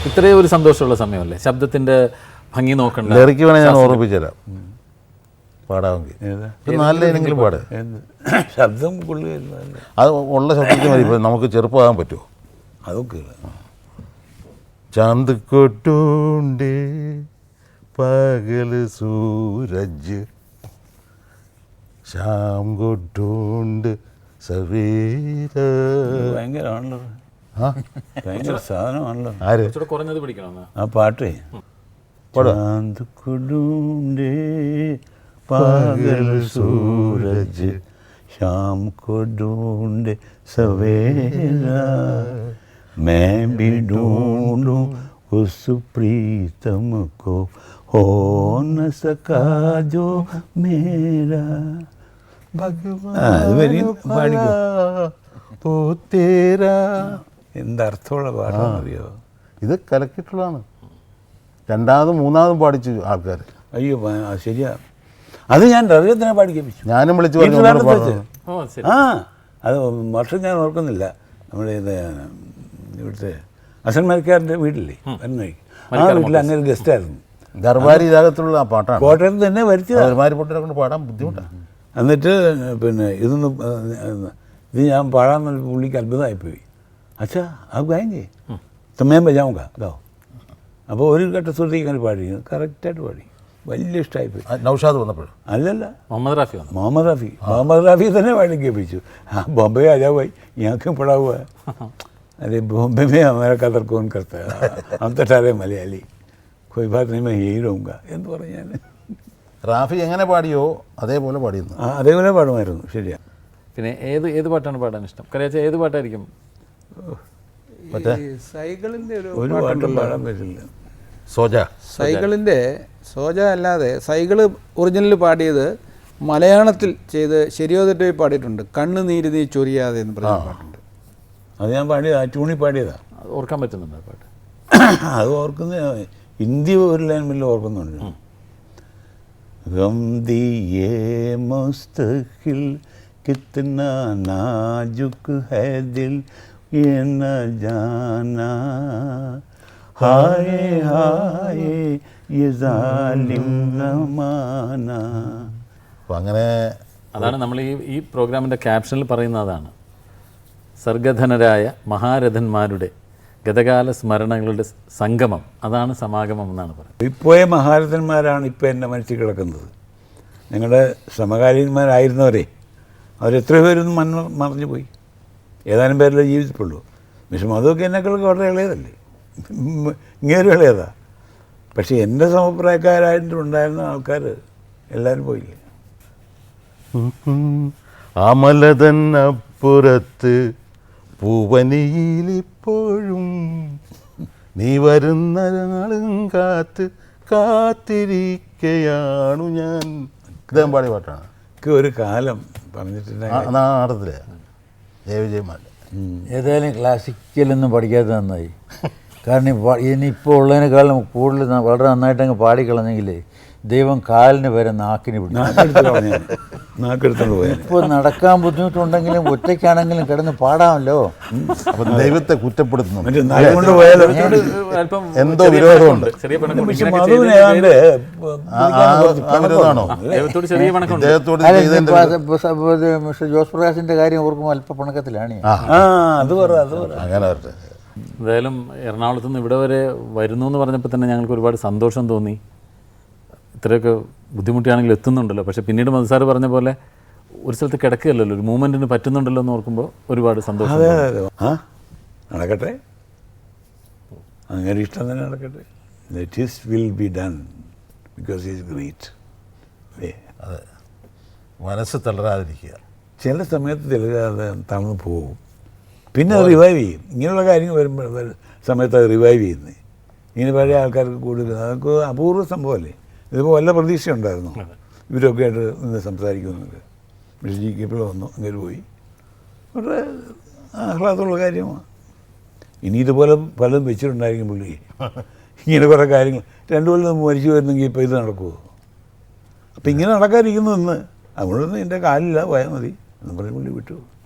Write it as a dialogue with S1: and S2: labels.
S1: ഇത്രയും ഒരു സന്തോഷമുള്ള സമയമല്ലേ, ശബ്ദത്തിൻ്റെ ഭംഗി നോക്കണ്ട.
S2: ലിറിക്ക് വേണേൽ ഞാൻ ഓർമ്മിപ്പിച്ചു തരാം, പാടാമെങ്കിൽ നല്ല ഏതെങ്കിലും പാട്.
S3: ശബ്ദം കൊള്ളുക
S2: അത് ഉള്ള ശബ്ദത്തിൽ മതി. ഇപ്പം നമുക്ക് ചെറുപ്പമാകാൻ പറ്റുമോ?
S3: അതൊക്കെ
S2: ചാന്ത് കൊട്ടൂണ്ട് പകൽ സൂരജ് ശ്യാം കൊട്ടൂണ്ട് സവേര.
S3: ഭയങ്കരമാണല്ലോ, ഭയങ്കര സാധനമാണല്ലോ.
S2: ആര്
S1: കുറഞ്ഞത് പിടിക്കണം
S3: ആ പാട്ടേ. ചാന്ത് കൊട്ടൂണ്ട് പകൽ സൂരജ് ശ്യാം കൊട്ടൂണ്ട് സവേര मैं भी ढूंढूं उस प्रीतम को हो न सका जो मेरा ഭഗവാൻ എന്തർത്ഥമുള്ള പാട്ടാണെന്നറിയോ?
S2: ഇത് കലക്കിയിട്ടുള്ളതാണ്. രണ്ടാമതും മൂന്നാമതും പാടിച്ചു ആൾക്കാർ.
S3: അയ്യോ ശരിയാ, അത് ഞാൻ റബിയത്തിനെ പാടിക്കപ്പിച്ചു.
S2: ഞാനും വിളിച്ചു പറഞ്ഞു.
S3: ആ അത് വർഷം ഞാൻ ഓർക്കുന്നില്ല. നമ്മുടെ ഇത് ഇവിടുത്തെ അസൻ മരിക്കാറിൻ്റെ വീട്ടില്ലേ വന്നഴിക്ക്, ആ വീട്ടിൽ അങ്ങനെ ഗസ്റ്റായിരുന്നു.
S2: ദർബാരി ഇതാകത്തുള്ള ആ പാട്ടാണ്.
S3: കോട്ടയത്ത് തന്നെ വരുത്തിയത്.
S2: ദർബാരി പൊട്ടിനെ കൊണ്ട് പാടാൻ ബുദ്ധിമുട്ടാണ്.
S3: എന്നിട്ട് പിന്നെ ഇത് ഞാൻ പാടാമെന്ന് പുള്ളിക്ക് അത്ഭുതമായിപ്പോയി. അച്ഛാ അത് ഗായെങ്കി തമ്മേം ബജാവുക ഗാവോ. അപ്പോൾ ഒരു ഘട്ട ശ്രുതി ഇങ്ങനെ പാടി, കറക്റ്റായിട്ട് പാടി, വലിയ ഇഷ്ടമായിപ്പോയി.
S2: നൗഷാദ് വന്നപ്പോഴും
S3: അല്ലല്ല,
S1: മുഹമ്മദ് റാഫി
S3: മുഹമ്മദ് റാഫി തന്നെ പാടി കേൾപ്പിച്ചു. ആ ബോംബെ आ जाओ भाई, यहाँ क्यों पड़ा हुआ है? अरे बॉम्बे में हमारा कदर कौन करता है, हम तो सारे मलयाली, कोई बात नहीं मैं यही रहूँगा എന്ന് പറഞ്ഞു ഞാൻ.
S2: റാഫി എങ്ങനെ പാടിയോ അതേപോലെ പാടിയിരുന്നു.
S3: ആ അതേപോലെ പാടുമായിരുന്നു. ശരിയാ.
S1: പിന്നെ ഏത് പാട്ടാണ് പാടാൻ ഇഷ്ടം? കറിയാച്ച ഏത് പാട്ടായിരിക്കും?
S4: സൈക്കിളിൻ്റെ
S3: ഒരു പാട്ടും പാടാൻ പറ്റില്ല.
S4: സൈക്കിളിൻ്റെ സോജ അല്ലാതെ സൈക്കിള് ഒറിജിനൽ പാടിയത് മലയാളത്തിൽ ചെയ്ത് ശരിയോ തെറ്റോ പാടിയിട്ടുണ്ട്. കണ്ണ് നീര് നീ ചൊരിയാതെ എന്ന് പറഞ്ഞ പാട്ടുണ്ട്.
S3: അത് ഞാൻ പാടിയത്, ആ ട്യൂണിൽ പാടിയതാ.
S1: ഓർക്കാൻ പറ്റുന്നുണ്ട് ആ പാട്ട്?
S3: അത് ഓർക്കുന്ന ഹിന്ദി ഒരു ലൈൻ മില്ല ഓർക്കുന്നുണ്ട്. ഗം ദിയേ മുസ്തഖിൽ കിത്നാ നാജുക് ഹൈ ദിൽ യേ ന ജാനാ ഹായേ ഹായേ യേ സാലിം സമാനാ.
S2: അപ്പം അങ്ങനെ
S1: അതാണ് നമ്മൾ ഈ പ്രോഗ്രാമിൻ്റെ ക്യാപ്ഷനിൽ പറയുന്ന അതാണ്. സർഗധനരായ മഹാരഥന്മാരുടെ ഗതകാല സ്മരണകളുടെ സംഗമം, അതാണ് സമാഗമം എന്നാണ് പറയുന്നത്.
S3: ഇപ്പോയ മഹാരഥന്മാരാണ് ഇപ്പോൾ എൻ്റെ മനസ്സിൽ കിടക്കുന്നത്. ഞങ്ങളുടെ സമകാലീനന്മാരായിരുന്നവരെ അവരെത്ര പേരൊന്നും മറഞ്ഞു പോയി. ഏതാനും പേരല്ലേ ജീവിച്ചിട്ടുള്ളൂ. പക്ഷെ അതൊക്കെ എന്നെക്കാളൊക്കെ വളരെ ഇളയതല്ലേ, ഇങ്ങേരും ഇളയതാ. പക്ഷെ എൻ്റെ സമപ്രായക്കാരായിട്ടുണ്ടായിരുന്ന ആൾക്കാർ എല്ലാവരും പോയില്ലേ.
S2: അമലതൻ അപ്പുറത്ത് പൂവനിയിലിപ്പോഴും നീ വരുന്ന നാളും കാത്തിരിക്കയാണു ഞാൻ. ഇദ്ദേഹം പാടിയ പാട്ടാണ്.
S3: ഒരു കാലം പറഞ്ഞിട്ടുണ്ട്
S2: നാടത്തിലെ ജയവിജയമാല.
S5: ഏതായാലും ക്ലാസിക്കലൊന്നും പഠിക്കാതെ നന്നായി. കാരണം ഇനിയിപ്പോൾ ഉള്ളതിനേക്കാളും കൂടുതൽ വളരെ നന്നായിട്ട് അങ്ങ് പാടിക്കളഞ്ഞെങ്കിൽ ദൈവം കാലിന് വരെ നാക്കിന് പിടിക്കും. ഇപ്പോൾ നടക്കാൻ ബുദ്ധിമുട്ടുണ്ടെങ്കിലും ഒറ്റയ്ക്കാണെങ്കിലും കിടന്ന് പാടാമല്ലോ.
S2: അപ്പം ദൈവത്തെ കുറ്റപ്പെടുത്തുന്നു,
S1: എന്തോ
S2: വിരോധമുണ്ട്.
S5: ജോസ് പ്രകാശിന്റെ കാര്യം ഓർക്കുമ്പോൾ അല്പ പണക്കത്തിലാണ്.
S2: അങ്ങനെ വരട്ടെ.
S1: എന്തായാലും എറണാകുളത്ത് നിന്ന് ഇവിടെ വരെ വരുന്നു എന്ന് പറഞ്ഞപ്പോൾ തന്നെ ഞങ്ങൾക്ക് ഒരുപാട് സന്തോഷം തോന്നി. ഇത്രയൊക്കെ ബുദ്ധിമുട്ടിയാണെങ്കിൽ എത്തുന്നുണ്ടല്ലോ. പക്ഷേ പിന്നീട് മധുസാർ പറഞ്ഞ പോലെ ഒരു സ്ഥലത്ത് കിടക്കുകയല്ലല്ലോ, ഒരു മൂവ്മെൻറ്റിന് പറ്റുന്നുണ്ടല്ലോ എന്ന് ഓർക്കുമ്പോൾ ഒരുപാട് സന്തോഷം.
S3: നടക്കട്ടെ, അങ്ങനെ ഇഷ്ടം തന്നെ നടക്കട്ടെ. Let his will be done because he is great.
S2: അതെ, മനസ്സ് തളരാതിരിക്കുക.
S3: ചില സമയത്ത് തളരാതെ തളർന്നു പോകും, പിന്നെ അത് റിവൈവ് ചെയ്യും. ഇങ്ങനെയുള്ള കാര്യങ്ങൾ വരുമ്പോൾ സമയത്ത് അത് റിവൈവ് ചെയ്യുന്നത്. ഇങ്ങനെ പഴയ ആൾക്കാർക്ക് കൂടുതൽ അതൊക്കെ അപൂർവ സംഭവമല്ലേ. ഇതിപ്പോൾ വല്ല പ്രതീക്ഷ ഉണ്ടായിരുന്നു ഇവരൊക്കെ ആയിട്ട് നിന്ന് സംസാരിക്കുമെന്നൊക്കെ. പക്ഷേ ജി കെപ്പിൾ വന്നു, അങ്ങനെ പോയി. വളരെ ആഹ്ലാദമുള്ള കാര്യമാണ്. ഇനി ഇതുപോലെ പലതും വെച്ചിട്ടുണ്ടായിരിക്കും പുള്ളി. ഇങ്ങനെ കുറേ കാര്യങ്ങൾ 2 കൊല്ലം മരിച്ചു വരുന്നെങ്കിൽ ഇപ്പോൾ ഇത് നടക്കുമോ? അപ്പം ഇങ്ങനെ നടക്കാതിരിക്കുന്നു എന്ന് അതുകൊണ്ടൊന്നും എൻ്റെ കാലില്ല, പോയാൽ മതി എന്ന് പറഞ്ഞ് പുള്ളി വിട്ടു.